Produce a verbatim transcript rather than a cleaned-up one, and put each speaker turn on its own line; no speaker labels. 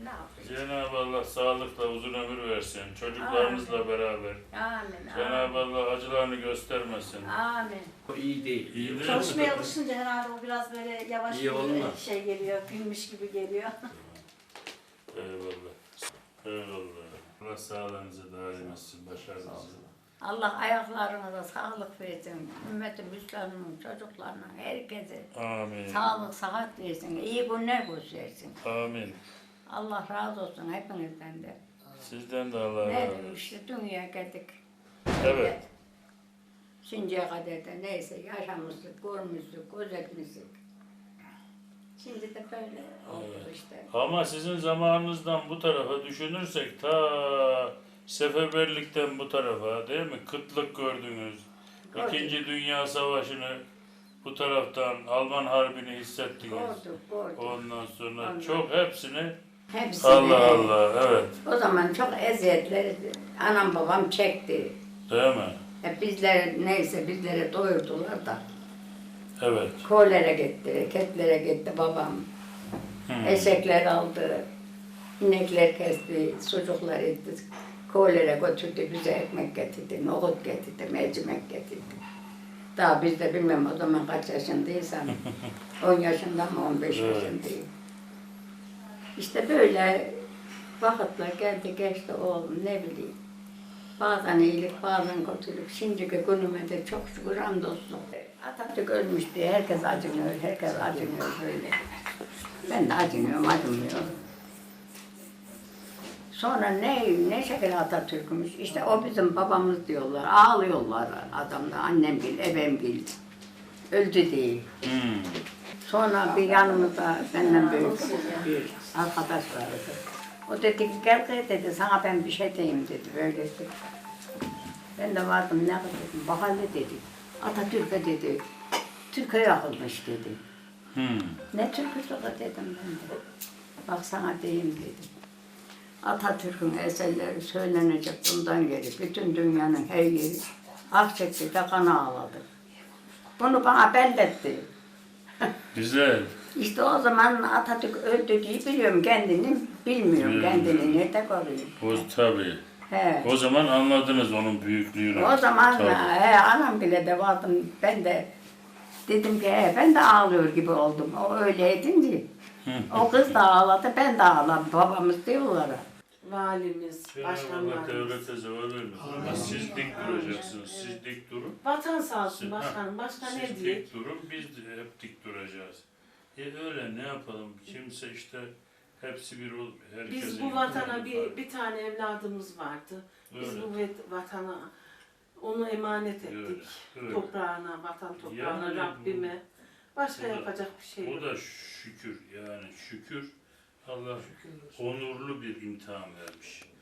Ne yapayım?
Cenab-ı Allah sağlıkla uzun ömür versin. Çocuklarınızla
Amin.
beraber.
Amin.
Cenab-ı Allah acılarını göstermesin.
Amin.
O iyi değil.
İyi değil mi?
Çalışmaya alışınca herhalde o biraz böyle yavaş
İyi oldu mu?
bir şey geliyor, gülmüş gibi geliyor.
Eyvallah. Eyvallah. Allah sağlığınızı daim etsin, başarınızı.
Allah ayaklarına da sağlık versin. Ümmeti Müslüman'ın çocuklarına, herkese
Amin.
sağlık, sıhhat versin. İyi günler göstersin.
Amin.
Allah razı olsun hepinizden de.
Sizden de Allah
Ne
razı
diyeyim
olsun.
işte dünyaya geldik.
Evet.
Şimdiye kadar da neyse yaşamıştık, görmüştük, gözetmiştik. Şimdi de böyle oldu
Evet.
işte.
Ama sizin zamanınızdan bu tarafa düşünürsek ta seferberlikten bu tarafa değil mi? Kıtlık gördünüz.
Gördük.
İkinci Dünya Savaşı'nı bu taraftan Alman Harbi'ni hissettiniz.
Gördük, gördük.
Ondan sonra
Ondan.
çok hepsini
Hepsini.
Allah Allah evet
O zaman çok eziyetleri anam babam çekti.
değil mi?
E bizler neyse bizlere doyurdular da.
Evet.
Koylere gitti, ketlere gitti babam.
Hmm.
Eşekler aldı. İnekler kesti, sucuklar etti. Koylere götürdü, bize ekmek getirdi, nohut getirdi, mercimek getirdi. Daha biz de bilmem o zaman kaç yaşındaysam, on yaşında mı, on beş
Evet.
yaşındayım. İşte böyle vakitler geldi geçti oğlum ne bileyim. Bazen iyilik, bazen kötülük. Şimdiki günüme de çok şükür hamdolsun. Atatürk ölmüş diye herkes acınıyor, herkes acınıyor böyle. Ben de acınıyorum, acımıyorum. Sonra ne, ne şekilde Atatürk'ümüş, işte o bizim babamız diyorlar, ağlıyorlar adamda, annemgil, ebemgil. Öldü değil.
Hmm.
Sonra bir yanımızda benden büyük bir arkadaş vardı. O dedi ki gel kız dedi, sana ben bir şey diyeyim dedi, böyle dedi. Ben de vardım, ne dedim, bak hele dedi, Atatürk'e dedi, Türkiye yakılmış dedi.
Hmm.
Ne Türk'üsü dedim ben de. Bak sana diyeyim dedim. Atatürk'ün eserleri söylenecek bundan geri. Bütün dünyanın her yeri ah çekti de kan ağladı. Bunu bana belletti.
Güzel.
İşte o zaman Atatürk öldü diye biliyorum kendini, bilmiyorum
Hmm.
kendini nerede koruyor.
O tabii.
He.
O zaman anladınız onun büyüklüğünü.
O zaman
Tabii.
he, anam bile de vardım, ben de dedim ki he, ben de ağlıyor gibi oldum. O öyle edince. O kız da ağladı, ben de ağladım. Babamız diyorlar.
Valimiz,
Cenab-ı Allah
başkanlarımız.
devlete zeval vermesin. Ama siz dik duracaksınız. Siz dik durun.
Vatan sağ olsun
Siz-
başkanım. Başka ne
Siz
diyeyim?
dik durun, biz de hep dik duracağız. E öyle ne yapalım? Kimse işte hepsi bir ol. herkesin
Biz bu
imkanı
vatana
var.
bir, bir tane evladımız vardı. Biz
Öyle.
bu vet- vatana onu emanet ettik.
Öyle, öyle.
Toprağına, vatan toprağına,
Yani
Rabbime. Başka
bu da-
yapacak bir şey
O
yok.
da şükür yani şükür. Allah onurlu bir imtihan vermiş.